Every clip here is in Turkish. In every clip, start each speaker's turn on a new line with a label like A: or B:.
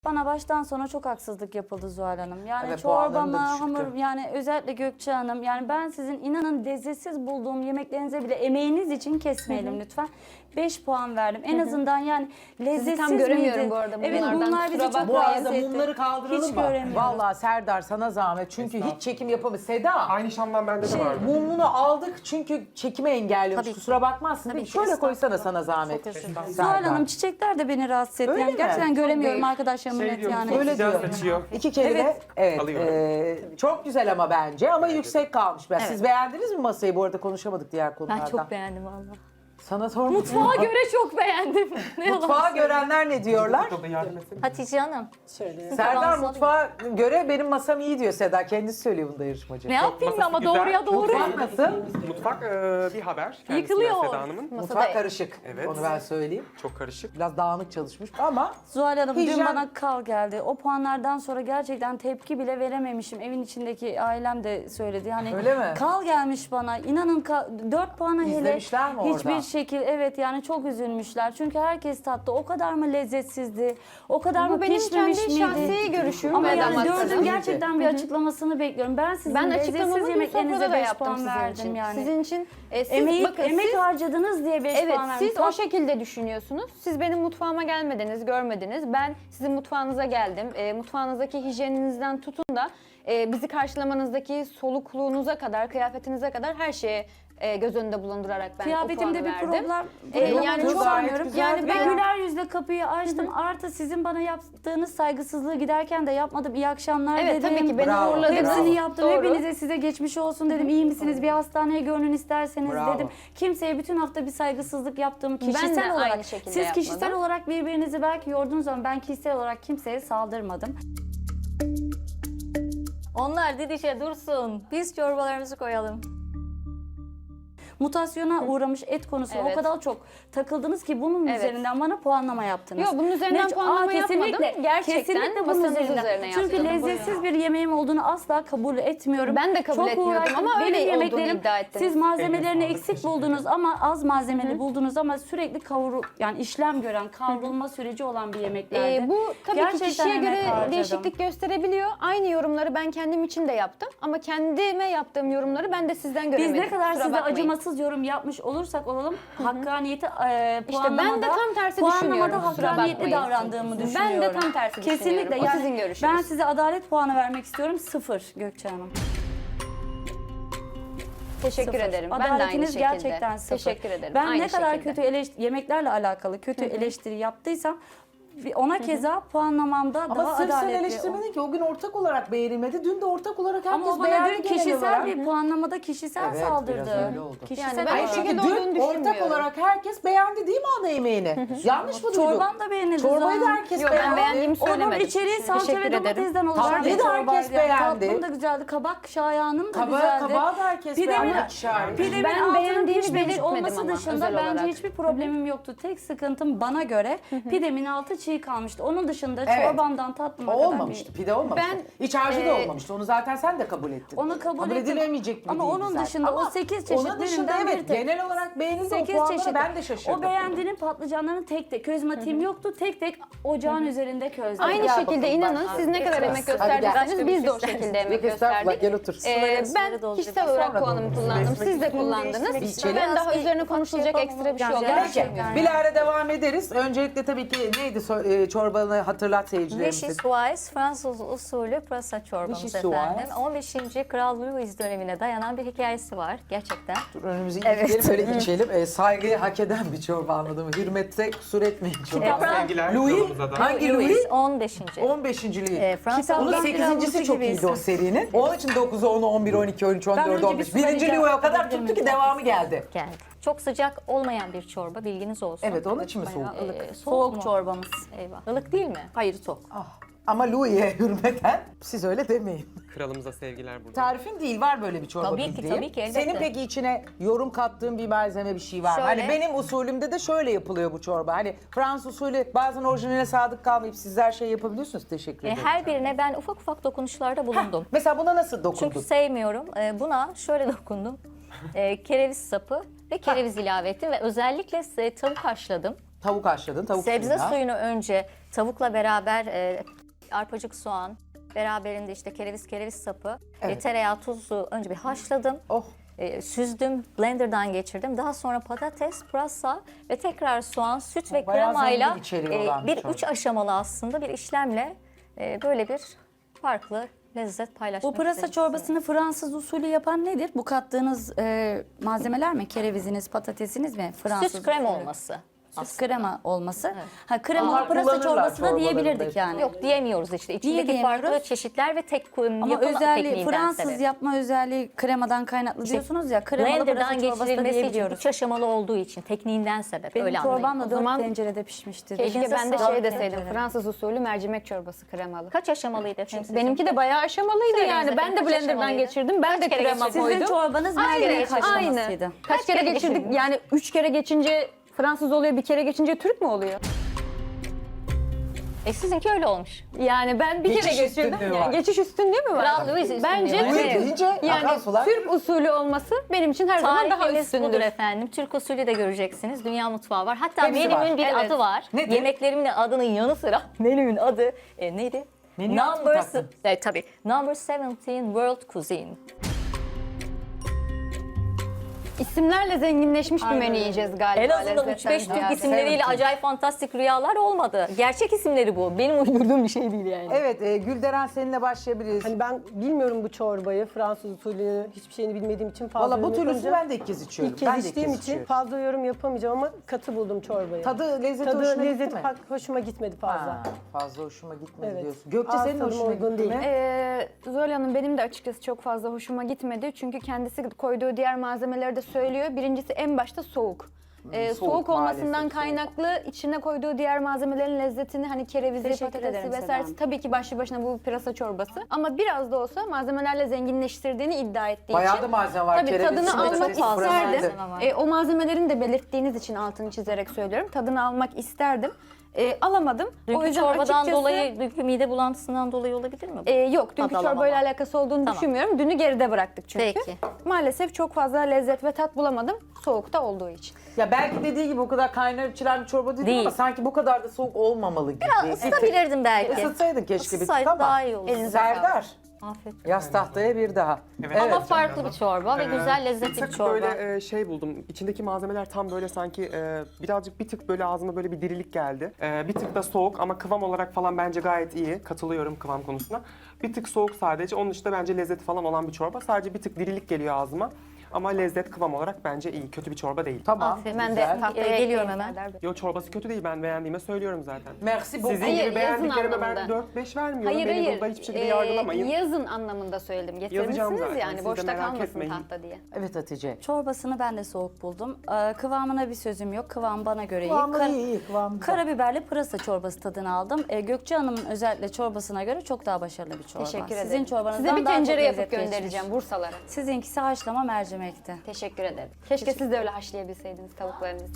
A: Bana baştan sona çok haksızlık yapıldı Zuhal Hanım. Yani
B: Evet, puanlarım da
A: çorbama,
B: düşüktü.
A: hamur, yani özellikle Gökçe Hanım. Yani ben sizin inanın lezzetsiz bulduğum yemeklerinize bile emeğiniz için kesmeyelim lütfen. 5 puan verdim. En azından yani lezzetsiz
C: tam göremiyorum
A: miydi?
C: bu arada
A: Evet
C: bunlardan.
A: bunlar bizi
C: Kusura
A: çok
C: bakma.
B: Bu
A: rahatsız
B: arada
A: etti.
B: mumları kaldıralım
A: Hiç
B: mı?
A: göremiyorum.
B: Vallahi Serdar sana zahmet. Çünkü hiç çekim yapamıyor. Seda
D: Aynı şamdan bende de vardı.
B: mumunu aldık çünkü çekimi engelliyormuş.
A: Tabii ki.
B: Kusura bakmazsın değil mi?
A: ki,
B: Şöyle koysana
A: estağfurullah.
B: sana zahmet.
A: Çok özür dilerim.
B: Serdar.
A: Zuhal Hanım çiçekler de beni rahatsız etti.
B: Öyle
A: Yani
B: mi?
A: gerçekten
B: Çok
A: göremiyorum
B: değil.
A: arkadaşlarımın
D: Şey
A: net
D: diyorum,
A: yani.
B: Öyle
D: sıcak
B: diyor.
D: saçıyor.
B: İki kelime.
A: Evet.
B: Evet.
D: Alıyorum.
B: Çok güzel ama bence ama yüksek kalmış biraz. Siz beğendiniz mi masayı? Bu arada konuşamadık diğer
C: Ben
B: konulardan.
C: çok beğendim valla.
B: Sana sormadım.
C: Mutfağa göre çok beğendim. Ne yalan
B: Mutfağı
C: söyleyeyim.
B: görenler ne diyorlar?
D: Burada yardım etsene.
C: Hatice Hanım.
B: Serdar
C: Fransız
B: mutfağa göre benim masam iyi diyor Seda. Kendisi söylüyor bunda yarışmacı.
C: Ne yapayım
D: masası
C: ama
D: güzel.
C: doğruya doğru.
B: Mutfak nasıl?
D: Mutfak bir haber. Kendisinden
C: Yıkılıyor.
D: Seda Hanım'ın.
B: Mutfak karışık.
D: Evet.
B: Onu ben söyleyeyim.
D: Çok karışık.
B: Biraz dağınık çalışmış ama
A: Zuhal Hanım
B: Hijyen-
A: dün bana kal geldi. O puanlardan sonra gerçekten tepki bile verememişim. Evin içindeki ailem de söyledi. Hani
B: Öyle mi?
A: kal gelmiş bana. İnanın 4 puana hele
B: İzlemişler mi orada?
A: hiçbir şekil evet yani çok üzülmüşler. Çünkü herkes tattı. O kadar mı lezzetsizdi? O kadar mı
C: Bu benim
A: pişmemiş
C: kendi
A: miydi?
C: şahsi görüşüm.
A: Ama
C: ve
A: yani
C: damak
A: dördün
C: tadım.
A: gerçekten bir açıklamasını bekliyorum. Ben sizin
C: Ben
A: lezzetsiz
C: açıklamamı dün
A: yemeklerinize
C: sofrada da
A: 5
C: yaptım
A: puan
C: sizin
A: verdim
C: için.
A: yani.
C: Sizin için siz
A: Emek
C: siz
A: harcadınız diye 5
C: evet
A: puan verdim.
C: siz o şekilde düşünüyorsunuz. Siz benim mutfağıma gelmediniz, görmediniz. Ben sizin mutfağınıza geldim. Mutfağınızdaki hijyeninizden tutun da bizi karşılamanızdaki solukluğunuza kadar, kıyafetinize kadar her şeye göz önünde bulundurarak ben o
A: Kıyafetimde
C: puanı
A: bir
C: verdim.
A: problem
C: yani
A: yani
C: çok
A: çok anlıyorum.
B: güzel.
A: Yani ben
C: Ben-
A: güler yüzle kapıyı açtım. Artı sizin bana yaptığınız saygısızlığı giderken de yapmadım. İyi akşamlar
C: Evet
A: dedim.
C: tabii ki beni
B: Bravo.
C: uğurladınız.
A: Hepsini
B: Bravo.
A: yaptım.
C: Doğru.
A: Hepinize size geçmiş olsun dedim. İyi misiniz? Bir hastaneye görünün isterseniz
B: Bravo.
A: dedim. Kimseye bütün hafta bir saygısızlık yaptığımı
C: Ben de
A: kişisel olarak.
C: aynı şekilde
A: Siz kişisel
C: yapmadım.
A: olarak birbirinizi belki yordunuz ama ben kişisel olarak kimseye saldırmadım.
C: Onlar didişe dursun. Biz çorbalarımızı koyalım.
A: Mutasyona uğramış et konusuna
C: Evet.
A: o kadar çok takıldınız ki bunun
C: Evet.
A: üzerinden bana puanlama yaptınız.
C: Yok, bunun üzerinden puanlama yapmadım. Gerçekten
A: kesinlikle bunun
C: masanız
A: üzerinden.
C: üzerine
A: Çünkü
C: yaptım.
A: lezzetsiz bir yemeğim olduğunu asla kabul etmiyorum.
C: Ben de kabul
A: Çok
C: etmiyordum
A: uğraştım.
C: ama öyle
A: Benim
C: olduğunu
A: yemeklerim,
C: iddia ettiniz.
A: siz malzemelerini
D: Eline sağlık,
A: eksik
D: teşekkür
A: buldunuz ama az malzemeli buldunuz ama sürekli yani işlem gören, kavrulma süreci olan bir yemeklerdi.
C: Bu tabii ki
A: Gerçekten
C: kişiye
A: emek
C: göre
A: harcadım.
C: değişiklik gösterebiliyor. Aynı yorumları ben kendim için de yaptım. Ama kendime yaptığım yorumları ben de sizden
A: Biz
C: göremedim.
A: ne kadar
C: Kusura
A: size
C: bakmayın.
A: acımasız yorum yapmış olursak olalım, hakkaniyeti
C: İşte ben de tam tersi düşünüyorum.
A: puanlamada
C: Kusura
A: hakkaniyetli
C: bakmayın.
A: davrandığımı
C: Ben
A: düşünüyorum.
C: de tam tersi
A: Kesinlikle.
C: düşünüyorum. O
A: Yani
C: sizin görüşünüz.
A: Ben size adalet puanı vermek istiyorum. 0 Gökçe Hanım.
C: Teşekkür
A: 0.
C: ederim. Ben de aynı
A: Adaletiniz
C: şekilde.
A: gerçekten 0.
C: Teşekkür ederim.
A: Ben
C: Aynı
A: ne kadar
C: şekilde.
A: kötü yemeklerle alakalı kötü eleştiri yaptıysam ona keza puanlamamda
B: ama
A: daha
B: sırf sen
A: adaletli.
B: eleştirmedin ki o gün ortak olarak beğenilmedi. Dün de ortak olarak herkes
A: Ama o bana
B: beğendi
A: dün
B: genel
A: kişisel
B: olarak.
A: bir puanlamada kişisel
B: Evet,
A: saldırdı.
B: biraz öyle oldu.
A: Kişisel
C: Yani ben
B: Hayır
C: o
A: olarak.
B: çünkü
C: şekilde olduğunu
B: dün ortak
C: düşünmüyorum.
B: olarak herkes beğendi değil mi ana yemeğini? Yanlış mı duydum?
A: Çorban da beğenildi.
B: Çorbayı da
A: zaten.
B: herkes
C: Yok, ben
B: beğendi.
C: beğendiğimi
A: Onun
C: söylemedim.
A: içeriği salça
C: Teşekkür
A: ve
C: ederim.
A: domatesden oluşan
B: Tatlıyı
A: bir
B: da
A: çorbaydı.
B: herkes beğendi.
A: Tatlım da güzeldi. Kabak şayanım da güzeldi.
B: Kabağı da herkes
A: Pidemin,
B: beğendi. İkişer.
A: pidemin
C: Ben
A: altının
C: beğendiğimi
A: pişmemiş
C: belirtmedim
A: olması
C: ama
A: dışında
C: özel
A: bence
C: olarak.
A: hiçbir problemim yoktu. Tek sıkıntım bana göre pidemin altı çiğ kalmıştı. Onun dışında
B: Evet.
A: çorbamdan tatlıma
B: O
A: kadar
B: olmamıştı, pide olmamıştı.
C: Ben,
B: İç harcı da olmamıştı. Onu zaten sen de kabul ettin.
A: Onu kabul ettim.
B: edilemeyecek bir
A: Ama
B: değildi
A: onun
B: zaten.
A: dışında o
B: Ama
A: 8 çeşit
B: onun dışında
A: üründen bir
B: evet
A: tek.
B: genel olarak beğenildi o
A: 8
B: puanlara
A: çeşit.
B: ben de şaşırdım.
A: O beğendiğinin patlıcanlarını tek tek közmatiğim yoktu. Tek tek ocağın üzerinde közledim.
C: Aynı
B: Gel
C: şekilde
B: bakalım,
C: inanın
B: bak.
C: siz ne kadar emek
B: Hadi gel.
C: gösterdiyseniz biz de o şekilde emek
B: Yok estağfurullah
C: gösterdik.
B: gel otur.
C: Ben kişisel olarak puanımı kullandım. Siz de kullandınız.
B: içelim.
C: Ben daha üzerine konuşulacak ekstra bir şey olarak
B: Peki
A: Gerçekten.
B: bilahare devam ederiz. Öncelikle tabii ki neydi çorbanı hatırlat seyircilerimize.
E: Vichy Fransız usulü pırasa çorbamız
B: Vichy
E: efendim. 15. Kral Louis dönemine dayanan bir hikayesi var gerçekten.
B: Dur önümüzü
E: Evet.
B: ilikleyelim böyle içelim. Saygıyı hak eden bir çorba anladın mı? Hürmette kusur etmeyin çorba.
D: Sevgiler
B: Louis,
D: yolumuza da.
B: hangi Louis?
E: Louis 15.
B: 15. Louis.
E: Fransız
B: Onun
A: Kitaptan
B: 8.'si
A: biraz
B: çok
A: gibi
B: iyiydi o serinin. Onun için 9'u, 10'u, 11, 12, 13, 14,
A: önce bir
B: 15.
A: su
B: Birinci
A: vereceğim.
B: Louis'e o kadar
A: Alabilir
B: tuttu ki
A: miyim?
B: devamı geldi.
E: geldi. Çok sıcak olmayan bir çorba bilginiz olsun.
B: Evet onun için mi soğuk?
E: Bayağı,
A: Soğuk
E: mu?
A: çorbamız.
E: Eyvah. Ilık değil mi?
A: Hayır soğuk.
B: Ah. Ama Louis'e hürmeten siz öyle demeyin.
D: Kralımıza sevgiler burada.
B: Tarifin değil var böyle bir çorba
E: Tabii ki,
B: bildiğim.
E: tabii ki, elbette.
B: Senin peki içine yorum kattığın bir malzeme bir şey var mı?
E: Şöyle.
B: Hani benim usulümde de şöyle yapılıyor bu çorba. Hani Fransız usulü bazen orijinaline sadık kalmayıp siz her şeyi yapabiliyorsunuz. Teşekkür ederim.
E: Her birine ben ufak ufak dokunuşlarda bulundum.
B: Mesela buna nasıl dokundun?
E: Çünkü sevmiyorum. Buna şöyle dokundum. Kereviz sapı ve kereviz ilave ettim ve özellikle tavuk haşladım.
B: Tavuk haşladın, tavuk
E: Sebze
B: suyuna.
E: suyunu önce tavukla beraber arpacık soğan, beraberinde işte kereviz sapı,
B: Evet.
E: tereyağı, tuzu önce bir haşladım.
B: Oh.
E: Süzdüm, blenderdan geçirdim. Daha sonra patates, pırasa ve tekrar soğan, süt ve
B: Bayağı
E: kremayla
B: zengin içeriği olan bir
E: bir
B: çorba.
E: 3 aşamalı aslında bir işlemle böyle bir farklı lezzet paylaşmak
A: Bu pırasa
E: istedim
A: çorbasını Fransız usulü yapan nedir? Bu kattığınız malzemeler mi? Kereviziniz, patatesiniz mi?
E: size.
A: Fransız
E: Süt krem
A: usulü.
E: olması.
A: Süt krema olması. Ha kremalı
B: Onlar
A: pırasa
B: kullanırlar
A: çorbası da diyebilirdik
B: çorbalarında.
A: yani.
E: Yok diyemiyoruz işte. İçindeki
A: diyemiyoruz?
E: farklı çeşitler ve tek
A: Ama
E: yapım
A: özelliği
E: tekniğinden
A: Fransız
E: sebep.
A: yapma özelliği kremadan kaynaklı diyorsunuz ya. Kremalı pırasa
E: Blender'dan
A: çorbası da
E: geçirilmesi için
A: diyebiliyoruz.
E: 3 aşamalı olduğu için tekniğinden sebep.
A: Benim
E: öyle anlayın.
A: çorbam da 4
C: zaman
A: tencerede pişmişti.
C: Keşke
E: Elinize
C: ben de
E: sağlık.
C: şey deseydim.
A: Teşekkür
C: Fransız usulü mercimek çorbası kremalı.
E: Kaç aşamalıydı efendim sizin?
C: Benimki de bayağı aşamalıydı
E: Söyleyiniz
C: yani. Ben
E: efendim,
C: de
E: kaç
C: blenderdan
E: aşamalıydı?
C: geçirdim. Ben de
E: Kaç kere
C: krema
E: geçirdiniz?
C: koydum.
A: Sizin çorbanız mercimek haşlamasıydı.
C: Aynı.
E: Kaç
C: Kaç kere
E: kere
C: geçirdik?
E: geçirdiniz?
C: Yani 3 kere geçince Fransız oluyor, bir kere geçince Türk mü oluyor?
E: Sizinki öyle olmuş.
C: Yani ben bir
B: Geçiş
C: kere geçirdim.
B: üstünlüğü
C: Yani
B: var.
C: geçiş üstünlüğü mü var?
E: Kral Louis üstünlüğü
C: Bence
E: var.
B: Louis
C: evet.
B: deyince akan
C: Yani
B: sular.
C: Türk usulü olması benim için her zaman daha
E: Tarifimiz
C: üstündür.
E: budur efendim. Türk usulü de göreceksiniz. Dünya mutfağı var. Hatta
B: Hepsi
E: menümün
B: var.
E: bir
C: Evet.
E: adı var.
B: Nedir?
E: Yemeklerimin adının yanı sıra menümün adı neydi?
B: Menüye ad mı taktın?
E: Tabii. Number 17 World Cuisine.
C: İsimlerle zenginleşmiş bir menü yiyeceğiz galiba.
E: En azından
C: lezzetten
E: 3-5 Türk
C: ziyade.
E: isimleriyle
B: Evet.
E: acayip fantastik rüyalar olmadı. Gerçek isimleri bu. Benim uydurduğum bir şey değil yani.
B: Evet, Gülderen seninle başlayabiliriz.
F: Hani ben bilmiyorum bu çorbayı, Fransız usulünü, hiçbir şeyini bilmediğim için fazla
B: Valla bu
F: yorum
B: türlüsü
F: yapamayacağım.
B: ben de ilk kez içiyorum.
F: İlk kez
B: ben de ilk
F: içtiğim
B: kez
F: için
B: içiyorum.
F: fazla yorum yapamayacağım ama katı buldum çorbayı.
B: Tadı, lezzeti
F: Tadı,
B: hoşuna
F: lezzeti
B: gitti mi?
F: hoşuma gitmedi fazla.
B: Ha, fazla hoşuma gitmedi
F: Evet.
B: diyorsun. Gökçe
F: Ağız
B: senin
F: tadıma
B: hoşuna
F: uygun
B: gitti
F: değil.
B: mi?
C: Zuhal Hanım benim de açıkçası çok fazla hoşuma gitmedi. Çünkü kendisi koyduğu diğer malzemeleri de söylüyor. Birincisi en başta soğuk. Soğuk olmasından
B: maalesef
C: kaynaklı içine koyduğu diğer malzemelerin lezzetini hani kerevizi,
A: Teşekkür
C: patatesi
A: ederim Seda
C: vesairesi
A: Hanım.
C: tabii ki başlı başına bu pırasa çorbası. Ama biraz da olsa malzemelerle zenginleştirdiğini iddia ettiği
B: Bayağı
C: için.
B: da malzeme var.
C: Tabii
B: Kereviz,
C: tadını
B: patates,
C: almak
B: pırasa.
C: isterdim.
E: malzeme var.
C: O malzemelerin de belirttiğiniz için altını çizerek söylüyorum. Tadını almak isterdim. Alamadım.
E: Dünkü
C: o yüzden
E: çorbadan
C: açıkçası,
E: dolayı, dünkü mide bulantısından dolayı olabilir mi bu?
C: yok, dünkü
E: Tad
C: çorbayla
E: alamama.
C: alakası olduğunu
E: Tamam.
C: düşünmüyorum. Dünü geride bıraktık çünkü.
E: Peki.
C: Maalesef çok fazla lezzet ve tat bulamadım. Soğukta olduğu için.
B: Ya belki dediği gibi o kadar kaynar içilen bir çorba değil,
E: Değil.
B: ama sanki bu kadar da soğuk olmamalı gibi.
E: Isıtabilirdim belki.
B: Isıtsaydın keşke bir tık
E: Isıtsaydı
B: ama.
E: daha iyi olurdu.
B: Serdar,
E: Afiyet.
B: yaz tahtaya bir daha.
D: Evet.
E: Ama farklı bir çorba ve güzel
D: Bir
E: lezzetli bir
D: tık
E: çorba.
D: böyle şey buldum. İçindeki malzemeler tam böyle sanki bir tık böyle ağzıma böyle bir dirilik geldi. Bir tık da soğuk ama kıvam olarak falan bence gayet iyi. Katılıyorum kıvam konusuna. Bir tık soğuk sadece. Onun dışında bence lezzeti falan olan bir çorba. Sadece bir tık dirilik geliyor ağzıma. Ama lezzet kıvam olarak bence iyi. Kötü bir çorba değil.
B: Tamam,
E: Aferin.
C: Ben
B: güzel.
C: de tahtaya
E: Geliyorum
C: ekleyeyim
E: hemen.
C: Serdar Bey.
D: Yo çorbası kötü değil. Ben beğendiğime söylüyorum zaten.
B: Merci beaucoup.
D: Sizin
C: Hayır,
D: gibi
C: yazın
D: beğendiklerime ben
C: anlamında.
D: 4-5 vermiyorum.
C: Hayır
D: Beni
C: hayır.
D: burada hiçbir şekilde yargılamayın.
C: Yazın anlamında söyledim.
D: Yazacağım
C: Getirmişsiniz
D: zaten.
C: yani
D: Siz de
C: boşta
D: merak
C: kalmasın
D: etmeyin.
C: tahta diye.
B: Evet Hatice.
A: Çorbasını ben de soğuk buldum. Kıvamına bir sözüm yok. Kıvam bana göre
B: Kıvamı
A: iyi.
B: iyi, kıvamı güzel.
A: Karabiberli pırasa çorbası tadını aldım. Gökçe Hanım'ın özellikle çorbasına göre çok daha başarılı bir çorba.
C: Teşekkür ederim.
A: Sizin çorbanızdan
C: Size bir
A: daha
C: tencere
A: çok
C: yapıp
A: lezzet geçmiş.
C: göndereceğim Bursalara.
A: Sizinkisi haşlama mercimekti.
C: Teşekkür ederim. Keşke siz de öyle haşlayabilseydiniz tavuklarınızı.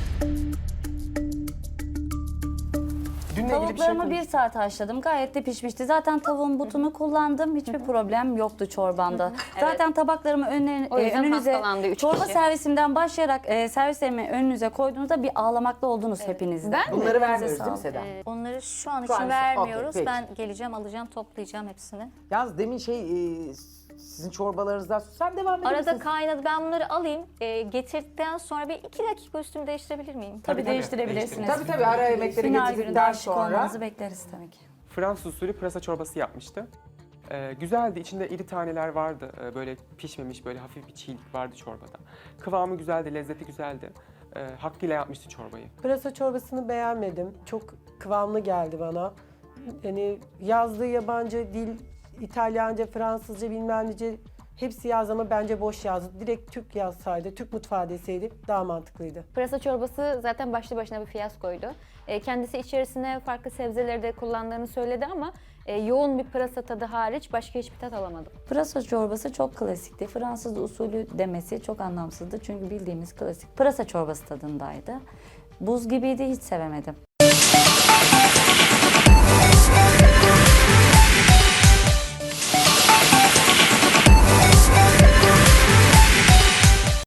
D: Dünle ilgili bir şey
A: Tavuklarımı
D: konuş-
A: 1 saat haşladım. Gayet de pişmişti. Zaten tavuğun butunu kullandım. Hiçbir problem yoktu çorbamda. Zaten tabaklarımı
C: O yüzden
A: önünüze
C: hastalandı 3
A: çorba
C: kişi.
A: servisimden başlayarak servislerimi önünüze koyduğunuzda bir ağlamakta oldunuz hepinizde.
C: Ben mi?
B: Bunları vermiyoruz değil mi
A: sağlık.
B: Seda?
E: Onları şu an
B: Şu an
E: için
B: için,
E: vermiyoruz.
B: okey, peki.
E: Ben geleceğim, alacağım, toplayacağım hepsini.
B: Yalnız demin sizin çorbalarınızdan sen devam edebilirsin.
E: Arada kaynadı. Ben bunları alayım. Getirdikten sonra bir 2 dakika üstümü değiştirebilir miyim?
A: Tabii değiştirebilirsiniz.
B: Tabii ara yemekleri
A: Final günü
B: getirdikten
A: şık
B: sonra.
A: olmanızı bekleriz tabii ki.
D: Fransız usulü pırasa çorbası yapmıştı. Güzeldi. İçinde iri taneler vardı. Böyle pişmemiş, böyle hafif bir çiğlik vardı çorbada. Kıvamı güzeldi, lezzeti güzeldi. Hakkıyla yapmıştı çorbayı.
F: Pırasa çorbasını beğenmedim. Çok kıvamlı geldi bana. Yani yazdığı yabancı dil, İtalyanca, Fransızca bilmem nece hepsi yaz ama bence boş yazdı. Direkt Türk yazsaydı, Türk mutfağı deseydi daha mantıklıydı.
C: Pırasa çorbası zaten başlı başına bir fiyaskoydu. Kendisi içerisine farklı sebzeleri de kullandığını söyledi ama yoğun bir pırasa tadı hariç başka hiçbir tat alamadım.
A: Pırasa çorbası çok klasikti. Fransız usulü demesi çok anlamsızdı. Çünkü bildiğimiz klasik pırasa çorbası tadındaydı. Buz gibiydi, hiç sevemedim.